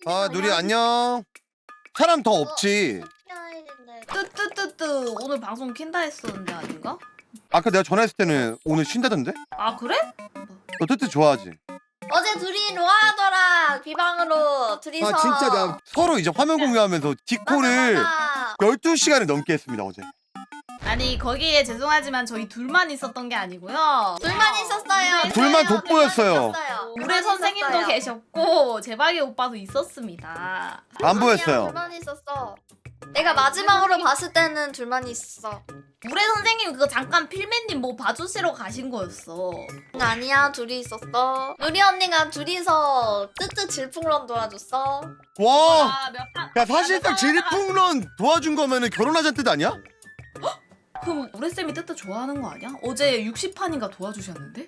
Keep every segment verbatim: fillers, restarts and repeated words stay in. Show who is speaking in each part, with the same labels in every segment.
Speaker 1: 아 누리 안녕. 사람 더 없지.
Speaker 2: 뜨뜨뜨뜨 오늘 방송 킨다 했었는데 아닌가?
Speaker 1: 아까 내가 전화했을 때는 오늘 쉰다던데?
Speaker 2: 아 그래?
Speaker 1: 너 뜨뜻 좋아하지?
Speaker 3: 어제 둘이 로아하더라 비방으로 둘이서.
Speaker 1: 아 진짜 나 서로 이제 화면 공유하면서 디코를
Speaker 3: 맞아.
Speaker 1: 열두 시간을 넘게 했습니다 어제.
Speaker 2: 아니 거기에 죄송하지만 저희 둘만 있었던 게 아니고요.
Speaker 3: 둘만 있었어요.
Speaker 1: 둘만 돋보였어요.
Speaker 2: 우리 선생님도 계셨고 제박이 오빠도 있었습니다.
Speaker 1: 안 보였어요.
Speaker 3: 둘만 있었어. 내가 마지막으로 봤을 때는 둘만 있었어.
Speaker 2: 우리 선생님 그거 잠깐 필맨님 뭐 봐주시러 가신 거였어.
Speaker 3: 아니야 둘이 있었어. 누리 언니가 둘이서 뜨뜻 질풍런 도와줬어.
Speaker 1: 와.
Speaker 2: 아, 몇 판-
Speaker 1: 야 사실상
Speaker 2: 몇 판-
Speaker 1: 질풍런 도와준 거면은 결혼하자는 뜻 아니야?
Speaker 2: 그럼 우리 쌤이 뜨뜻 좋아하는 거 아니야? 어제 육십 판인가 도와주셨는데?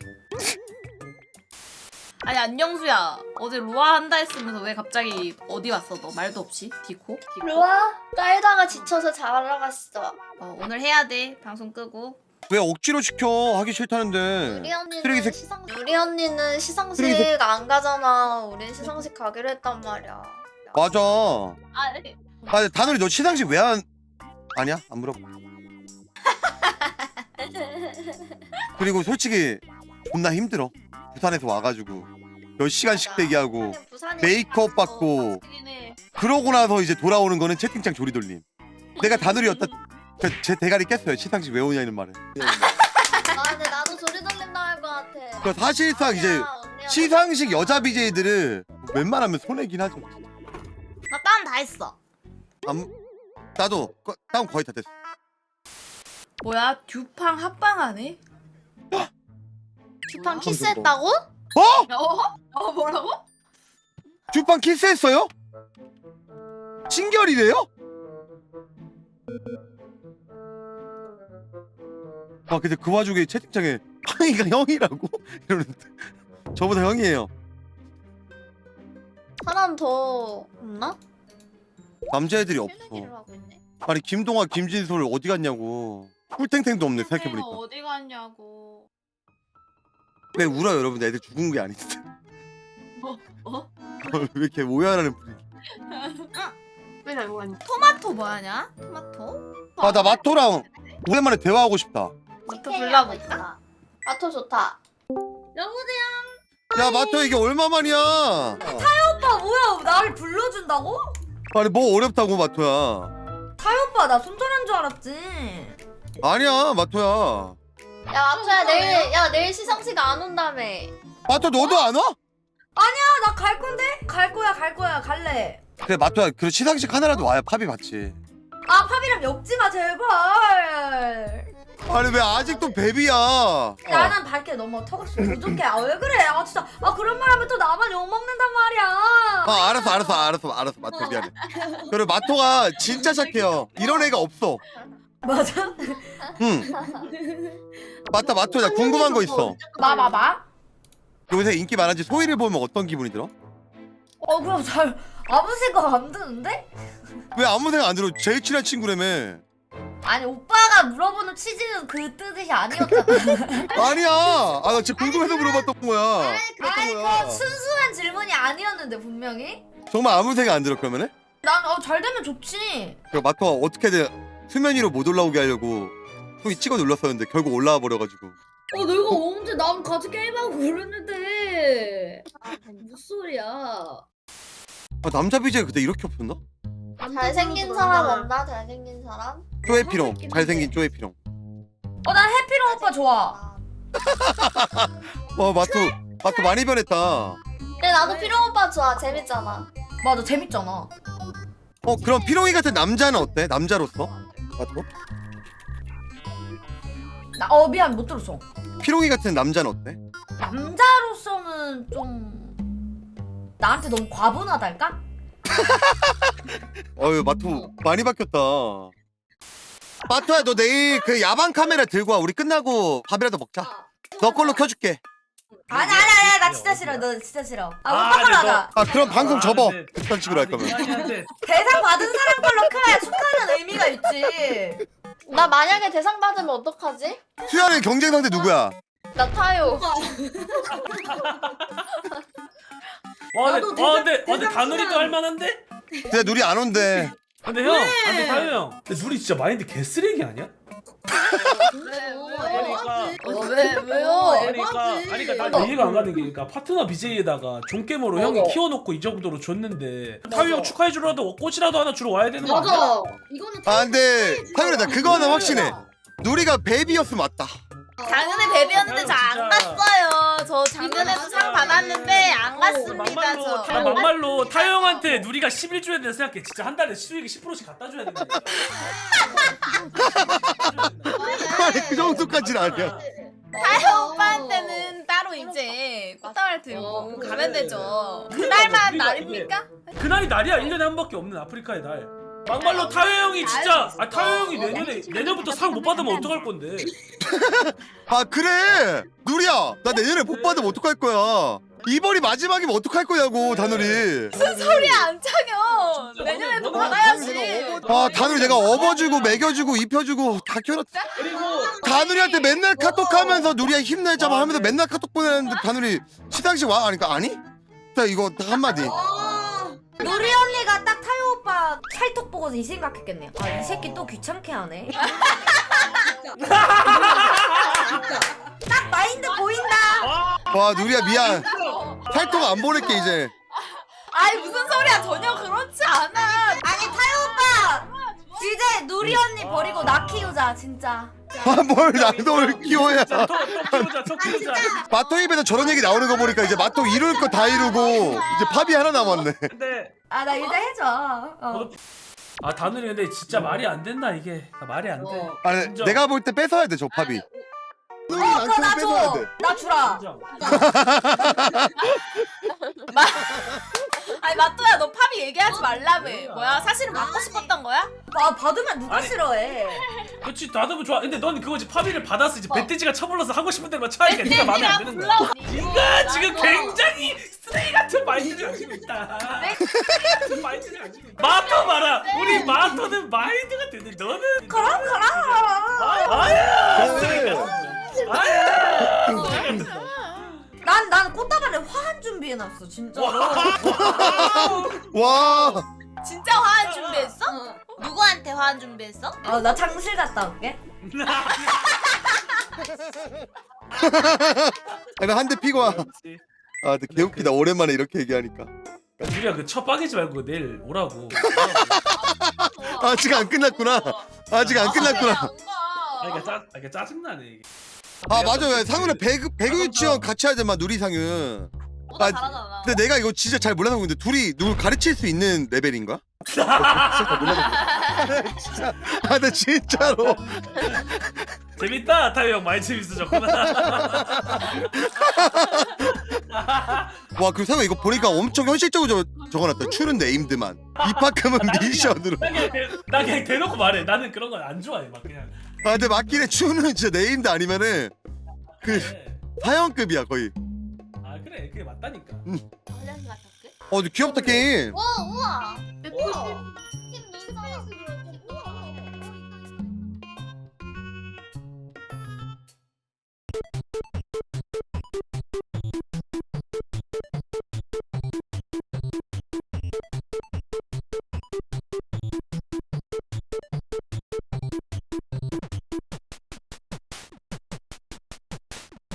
Speaker 2: 아니 안녕수야 어제 로아 한다 했으면서 왜 갑자기 어디 왔어 너 말도 없이 디코? 디코?
Speaker 3: 로아 깔다가 지쳐서 자러 갔어.
Speaker 2: 어, 오늘 해야 돼 방송 끄고.
Speaker 1: 왜 억지로 시켜 하기 싫다는데.
Speaker 3: 우리 언니는
Speaker 1: 쓰레기색.
Speaker 3: 시상 우리 언니는 시상식
Speaker 1: 쓰레기색.
Speaker 3: 안 가잖아. 우린 시상식 가기로 했단 말이야.
Speaker 1: 맞아.
Speaker 2: 아 네.
Speaker 1: 아 다누리 너 시상식 왜 안? 아니야 안 물어봐. 그리고 솔직히 존나 힘들어. 부산에서 와가지고 몇 시간씩 대기하고
Speaker 3: 부산이
Speaker 1: 메이크업 받고 그러고 나서 이제 돌아오는 거는 채팅창 조리돌림. 내가 다누리였다. 그 제 대가리 깼어요. 시상식 왜 오냐는 말에.
Speaker 3: 아 근데 나도 소리 돌림 나갈 것 같아.
Speaker 1: 그 사실상 이제
Speaker 3: 언니야, 언니야.
Speaker 1: 시상식 여자 비제이들은 웬만하면 손해긴 하죠.
Speaker 2: 나 다운 다 했어.
Speaker 1: 안, 나도 거- 다운 거의 다 됐어.
Speaker 2: 뭐야 듀팡 합방하네?
Speaker 3: 듀팡 키스했다고?
Speaker 1: 어?
Speaker 2: 어? 어 뭐라고?
Speaker 1: 주판 키스했어요? 친결이래요? 아 근데 그 와중에 채팅창에 황이가 형이라고? 이러는데 저보다 형이에요.
Speaker 3: 사람 더 없나?
Speaker 1: 남자애들이 없어.
Speaker 3: 필기를 하고 있네.
Speaker 1: 아니 김동아 김진솔 어디 갔냐고. 꿀탱탱도 없네 생각해보니까.
Speaker 2: 어디 갔냐고.
Speaker 1: 왜 울어요 여러분? 애들 죽은 게 아닌데.
Speaker 2: 뭐? 뭐?
Speaker 1: 왜 이렇게 오해하는 분위기.
Speaker 4: 왜 나고 갔니?
Speaker 2: 토마토 뭐하냐? 토마토?
Speaker 1: 아 나 마토랑 오랜만에 대화하고 싶다.
Speaker 2: 마토 불러볼까?
Speaker 3: 마토 좋다.
Speaker 4: 여보세요?
Speaker 1: 야 마토 이게 얼마만이야?
Speaker 4: 오빠 뭐야 나를 불러준다고?
Speaker 1: 아니 뭐 어렵다고 마토야.
Speaker 4: 타요 오빠 나 손절한 줄 알았지.
Speaker 1: 아니야 마토야.
Speaker 3: 야 마토야 내일 야 내일 시상식 안 온다며.
Speaker 1: 마토 너도 안 와?
Speaker 4: 나 갈 건데? 갈 거야 갈 거야 갈래.
Speaker 1: 그래 마토야 그 시상식 하나라도 와야 팝이 받지.
Speaker 4: 아 팝이랑 엮지 마 제발.
Speaker 1: 아니 왜 아직도 베비야? 어.
Speaker 4: 나는 밝게 넘어 턱없이 부족해. 아 왜 그래? 아 진짜 아 그런 말 하면 또 나만 욕 먹는단 말이야.
Speaker 1: 아 알았어 알았어 알았어 알았어 마토 미안해. 그리고 마토가 진짜 착해요. 이런 애가 없어.
Speaker 4: 맞아?
Speaker 1: 응. 맞다 마토 나 궁금한 거 있어.
Speaker 4: 봐봐봐.
Speaker 1: 요새 인기 많아지 소희를 보면 어떤 기분이 들어?
Speaker 4: 어 그럼 잘 아무 생각 안 드는데?
Speaker 1: 왜 아무 생각 안 들어? 제일 친한 친구라며.
Speaker 4: 아니 오빠가 물어보는 취지는 그 뜻이 아니었잖아.
Speaker 1: 아니야. 아 나 진짜 궁금해서 물어봤던 거야. 그랬던
Speaker 4: 아니
Speaker 1: 거야.
Speaker 4: 그 순수한 질문이 아니었는데 분명히.
Speaker 1: 정말 아무 생각 안 들어 그러면은?
Speaker 4: 난 어 잘 되면 좋지.
Speaker 1: 그 마토가 어떻게든 수면 위로 못 올라오게 하려고 소희 찍어 눌렀었는데 결국 올라와 버려가지고.
Speaker 5: 어 내가 언제 남 같이 게임하고 그랬는데 무슨 소리야.
Speaker 1: 아 남자 비제가 그때 이렇게 없었나?
Speaker 3: 잘생긴 사람 없나? 잘생긴 사람?
Speaker 1: 쪼에피롱. 잘생긴 쪼에피롱.
Speaker 4: 어 난 해피롱 오빠 좋아.
Speaker 1: 와 마토 마토 많이 변했다.
Speaker 3: 근데 나도 피롱 오빠 좋아. 재밌잖아.
Speaker 4: 맞아 재밌잖아.
Speaker 1: 어 그럼 피롱이 같은 남자는 어때? 남자로서? 마토?
Speaker 4: 나 어 미안 못 들었어.
Speaker 1: 피롱이 같은 남자는 어때?
Speaker 4: 남자로서는 좀 나한테 너무 과분하달까?
Speaker 1: 어유 마토 많이 바뀌었다. 마토야 너 내일 그 야방 카메라 들고 와. 우리 끝나고 밥이라도 먹자. 너 걸로 켜줄게.
Speaker 4: 아니 아니 아니 나 진짜 싫어. 너 진짜 싫어. 아
Speaker 6: 아,
Speaker 4: 오빠 걸로
Speaker 6: 근데
Speaker 4: 하자.
Speaker 1: 아 그럼 방송 접어.
Speaker 6: 네.
Speaker 1: 그딴 식으로 할 거면.
Speaker 6: 이야기한테
Speaker 4: 대상 받은 사람 걸로 켜야 축하하는 의미가 있지.
Speaker 3: 나 만약에 대상 받으면 어떡하지?
Speaker 1: 수야는 경쟁 상대 누구야?
Speaker 3: 나 타요.
Speaker 6: 와
Speaker 5: 나도
Speaker 6: 근데 와 근데
Speaker 5: 대장-
Speaker 6: 와, 근데 다누리도
Speaker 5: 대장수랑-
Speaker 6: 할만한데?
Speaker 1: 근데 누리 안 온대.
Speaker 6: 근데 형, 근데 다현 형, 근데 누리 진짜 마인드 개쓰레기 아니야?
Speaker 5: 그러니까
Speaker 2: 어, 왜 왜요?
Speaker 6: 그러니까 아니 그러니까 난 이해가 안 가는 게 그러니까 파트너 비제이에다가 존게머로 형이 키워놓고 이 정도로 줬는데 타요 형 축하해 주라도 꽃이라도 하나 주러 와야 되는 거 아니야?
Speaker 5: 맞아. 이거는
Speaker 1: 아 근데 타율아 나 그거 하나 확신해. 누리가 베이비였으면 맞다.
Speaker 2: 작년에 베비였는데 저 안 갔어요. 저 작년에도 상 받았는데 안 갔습니다.
Speaker 6: 막말로
Speaker 2: 저.
Speaker 6: 다 막말로 타요 형한테 누리가 십일 줘야 된다 생각해. 진짜 한 달에 수익이 십 퍼센트씩 갖다 줘야 된다.
Speaker 1: 아니 그 정도까지는 아니야.
Speaker 2: 타요 오빠한테는 따로 이제 꽃다발 들고
Speaker 5: 어, 그래.
Speaker 2: 가면 되죠. 그날만
Speaker 6: 우리가
Speaker 2: 날입니까?
Speaker 6: 그날이 날이야. 일 년에 한 번밖에 없는 아프리카의 날. 막말로 타요 형이 진짜 아 타요 형이 내년에 내년부터 상 못 받으면 어떡할 건데?
Speaker 1: 아 그래 누리야 나 내년에 못 받으면 어떡할 거야. 이번이 마지막이면 어떡할 거냐고 다누리.
Speaker 2: 무슨 소리야 안창현.
Speaker 6: 진짜
Speaker 2: 내년에도
Speaker 6: 너는-
Speaker 2: 받아야지.
Speaker 1: 아 다누리 내가 업어주고 먹여주고 입혀주고 다 키워놨다.
Speaker 6: 그리고
Speaker 1: 다누리한테 맨날 카톡하면서 누리야 힘내자마 하면서 맨날 카톡 보내는데 다누리 시상식 와? 하니까 아니? 자 이거 딱 한마디.
Speaker 4: 누리 언니가 딱 타요 오빠 찰떡 보고서 이 생각했겠네요. 아 이 새끼 또 귀찮게 하네. 딱 마인드 보인다.
Speaker 1: 와 누리야 미안. 살토 안 보낼게 이제.
Speaker 2: 아이 무슨 소리야 전혀 그렇지 않아.
Speaker 4: 아니 타요 오빠 이제 누리 언니 버리고 나 키우자 진짜.
Speaker 1: 아뭘 나도 키워야.
Speaker 6: 자, 또, 또 키우자, 또 키우자.
Speaker 1: 마토 입에서 저런 얘기 나오는 거 보니까 이제 마토 이룰 거 다 이루고 이제 팝이 하나 남았네.
Speaker 6: 근데
Speaker 4: 아 나 일단 해줘. 어.
Speaker 6: 아 다누리 근데 진짜 말이 안 된다 이게 아, 말이 안 돼.
Speaker 5: 어.
Speaker 1: 아니
Speaker 6: 인정.
Speaker 1: 내가 볼 때 뺏어야 돼 저 팝이.
Speaker 4: 어 그거 나 줘. 나 주라.
Speaker 6: 인정.
Speaker 2: 아니 마또야 너 팝이 얘기하지 말라며. 뭐야 사실은 받고 싶었던 거야?
Speaker 4: 아 받으면 누가
Speaker 6: 아니.
Speaker 4: 싫어해.
Speaker 6: 그렇지 나도 좋아. 근데 넌 그거지 파비를 받았어 이제 멧돼지가 쳐불러서 하고 싶은 대로만 차니까 네가 마음에 안 드는 거야. 네가 지금 굉장히 쓰레기 같은 마인드를 가지고 있다. 같은 마인드를 가지고 있다. 마토 봐라. 우리 마토는 마인드가 되는데 너는
Speaker 4: 그럼 그럼.
Speaker 6: 아, 아야 쓰레기 같은. 아야.
Speaker 4: 난 난 꽃다발에 화한 준비해놨어 진짜로.
Speaker 1: 와.
Speaker 2: 진짜 화한 준비했어? 누구한테 화한 준비했어?
Speaker 4: 어, 나 장실 갔다 올게.
Speaker 1: 아니 한 대 피고 와. 아 근데 개웃기다 오랜만에 이렇게 얘기하니까.
Speaker 6: 우리가 그 첫 빠개지 말고 내일 오라고.
Speaker 1: 아직 안 끝났구나. 아직 안 끝났구나.
Speaker 6: 아 그러니까 짜, 아, 그러니까 짜증나네 이게.
Speaker 1: 아 맞아요. 상윤아 배그 배그 유치원 같이 하자 마 누리 상윤.
Speaker 2: 너가
Speaker 1: 아,
Speaker 2: 잘하잖아.
Speaker 1: 근데 내가 이거 진짜 잘 몰라서 근데 둘이 누굴 가르칠 수 있는 레벨인가? 진짜 진짜 아 근데 진짜로
Speaker 6: 재밌다 타요 형 많이 재밌어졌구나.
Speaker 1: 와 그리고 상윤 이거 보니까 엄청 현실적으로 저, 적어놨다. 추는 네임드만 입학하면 미션으로.
Speaker 6: 나 그냥, 대, 나 그냥 대놓고 말해. 나는 그런 건 안 좋아해 막 그냥.
Speaker 1: 아 근데 맞긴 해. 추는 진짜 네임드 아니면은 그
Speaker 6: 그래.
Speaker 1: 사형급이야 거의.
Speaker 6: 아 그래 그게 맞다니까.
Speaker 2: 훈련시 같았게?
Speaker 1: 어 근데 귀엽다 게임.
Speaker 2: 와 우와.
Speaker 5: 우와.